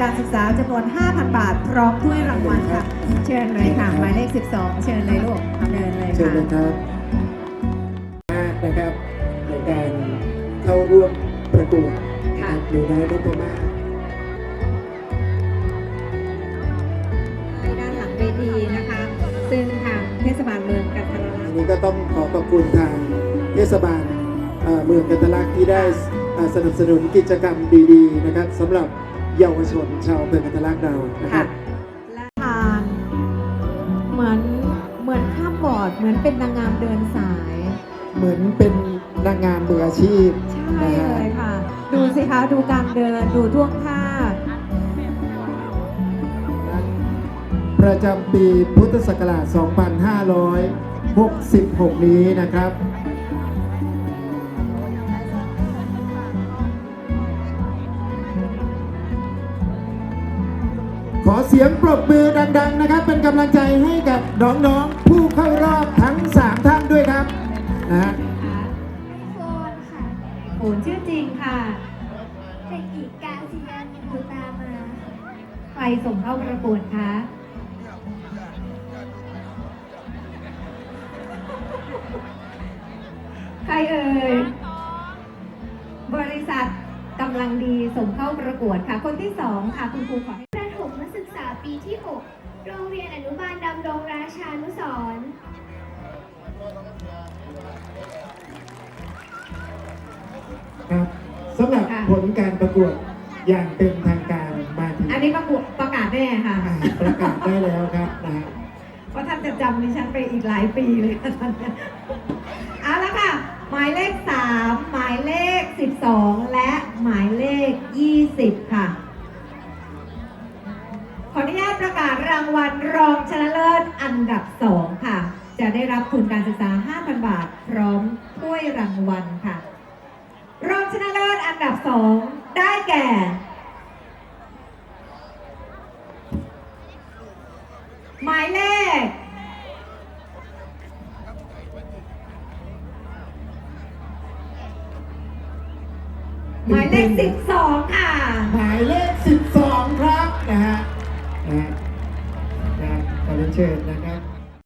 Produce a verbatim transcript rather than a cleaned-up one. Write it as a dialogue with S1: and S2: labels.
S1: การศึกษาจำนวน ห้าพัน บาทพร้อมถ้วยรางวัลค่ะ เชิญเลยค่ะหมายเลขสิบสองเชิญเลยลูกเดินเลย
S2: เชิญ
S1: ค่ะ
S2: เลยครับนะครับในการเข้าร่วมประกวดนะครับหนูน้อยนพมาศ
S1: ที่ด้านหลังเวทีนะคะซึ่งทางเทศบาลเมืองกันทรลักษ
S2: อัน
S1: ณ์
S2: นี้ก็ต้องขอขอบคุณทางเทศบาลเอ่อเมืองกันทรลักษณ์ที่ได้เอ่อสนับสนุนกิจกรรมดีๆนะครับสำหรับเยาวชนชาวอำเมืองกันทรลักษณ์เรานะครับ
S1: และทานเหมือนเหมือนข้ามบอร์ดเหมือนเป็นนางงามเดินสาย
S2: เหมือนเป็นนางงามมืออาชีพ
S1: ใช่
S2: นะฮะ
S1: เลยค่ะ ดูสิคะดูการเดินดูท่วงท่า
S2: ประจำปีพุทธศักราช สองพันห้าร้อยหกสิบหก นี้นะครับ ขอเสียงปรบมือดังๆนะครับ เป็นกำลังใจให้กับน้องๆผู้เข้ารอบทั้ง สาม ท่านด้วยครับนะฮะ
S3: โฟนค่ะ
S1: โหนชื่อจริงค่ะ
S3: เด็กหญิงกาซิยานิบุตามา
S1: ใครส่งเข้าประกวดคะใครเอ่ยบริษัทกำลังดีส่งเข้าประกวดค่ะ คนที่สองค่ะคุณครูขอให้
S3: ประถมศึกษาปีที่ หก โรงเรียนอนุบาลดำรงราชานุสรณ์
S2: ครับสำหรับผลการประกวดอย่างเป็นทางการมาถึง
S1: อันนี้ประกวดประกาศแน่ค่ะ
S2: อ่าประกาศได้แล้วครับนะฮะ
S1: เพราะท่านจะจำดิฉันไปอีกหลายปีเลยค่ะท่านเนี่ยเอาละค่ะ หมายเลขสามหมายเลขสิบสองและหมายเลขยี่สิบค่ะ ขออนุญาตประกาศรางวัลรองชนะเลิศอันดับสองค่ะ จะได้รับทุนการศึกษา ห้าพัน บาท พร้อมถ้วยรางวัลค่ะ รองชนะเลิศอันดับสองได้แก่ หมายเลข หมายเลขสิบสองค่ะ
S2: หมายเลขสิบสองครับนะฮะนะฮะนะขอเรียนเชิญนะครับ